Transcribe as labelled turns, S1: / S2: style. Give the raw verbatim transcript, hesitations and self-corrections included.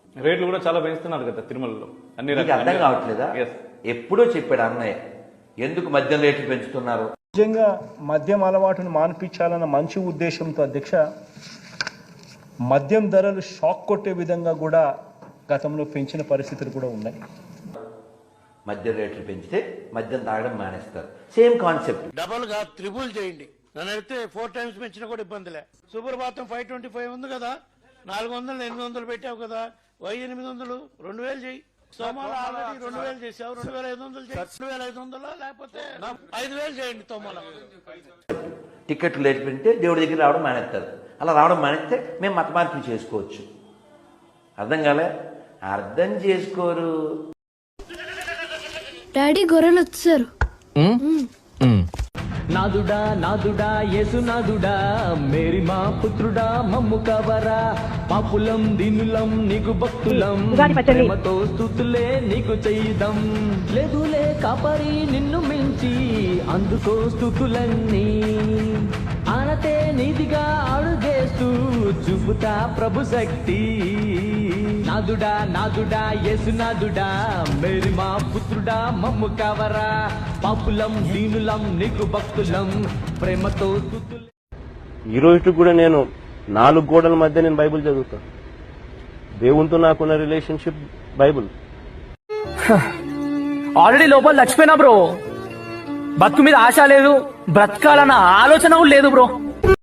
S1: రేట్లు కూడా చాలా పెంచుతున్నారు కదా తిరుమలలో అన్ని
S2: నీకు అర్థం కావట్లేదా? ఎప్పుడో చెప్పాడు అన్నయ్య ఎందుకు మద్యం రేట్లు పెంచుతున్నారు.
S3: నిజంగా మద్యం అలవాటును మాన్పించాలన్న మంచి ఉద్దేశంతో అధ్యక్ష మద్యం ధరలు షాక్ కొట్టే విధంగా కూడా గతంలో పెంచిన పరిస్థితులు కూడా ఉన్నాయి.
S2: మద్యం రేట్లు పెంచితే మద్యం తాగడం మానేస్తారు. Same concept.
S4: డబల్ గా త్రిబుల్ చేయండి. నన్ను అయితే ఫోర్ టైమ్స్ పెంచినా కూడా ఇబ్బందిలే. సుప్రభాతం ఫైవ్ ట్వంటీ ఫైవ్ ఉంది కదా, నాలుగు వందలు ఎనిమిది వందలు పెట్టావు కదా, వై ఎనిమిది వందలు రెండు వేలు చేయి. సోమాలు ఆల్రెడీ రెండు వేలు చేసావు, రెండు వేల ఐదు వందలు చేయి. రెండు వేల ఐదు వందలు లేకపోతే ఐదు వేలు చేయండి. తోమాల
S2: టికెట్లు రేట్లు పెంచితే దేవుడి దగ్గర రావడం మానేస్తారు. అలా రావడం మానేస్తే మేము మత మార్పులు చేసుకోవచ్చు. అర్థం కాలే? అర్థం చేసుకోరు.
S5: డాడీ గొర్రెలు వచ్చారు.
S6: నాదుడా నాదుడా యేసునాదుడా మేరీ మా పుత్రుడా మమ్ము కవరా పాపులం దీనులం నీకు భక్తులం ప్రేమతో స్తుతులే నీకు చేయుదం లేదులే కాపరి నిన్ను మించి అందుకో స్తుతులన్నీ ఆనతే నీతిగా అడుగేస్తూ చూపుతా ప్రభు శక్తి నాదుడా నాదుడా యేసునాదుడా మేరీ మా పుత్రుడా మమ్ము కవరా పాపులం దీనులం నీకు భక్తులం ప్రేమతో స్తుతులే.
S7: ఈ రోజు కూడా నేను నాలుగు గోడల మధ్య నేను బైబిల్ చదువుతాను. దేవునితో నాకున్న రిలేషన్షిప్ బైబిల్.
S8: ఆల్రెడీ లోపల చచ్చిపోయినా బ్రో. బతుకు మీద ఆశ లేదు, బ్రతకాలన్న ఆలోచన కూడా లేదు బ్రో.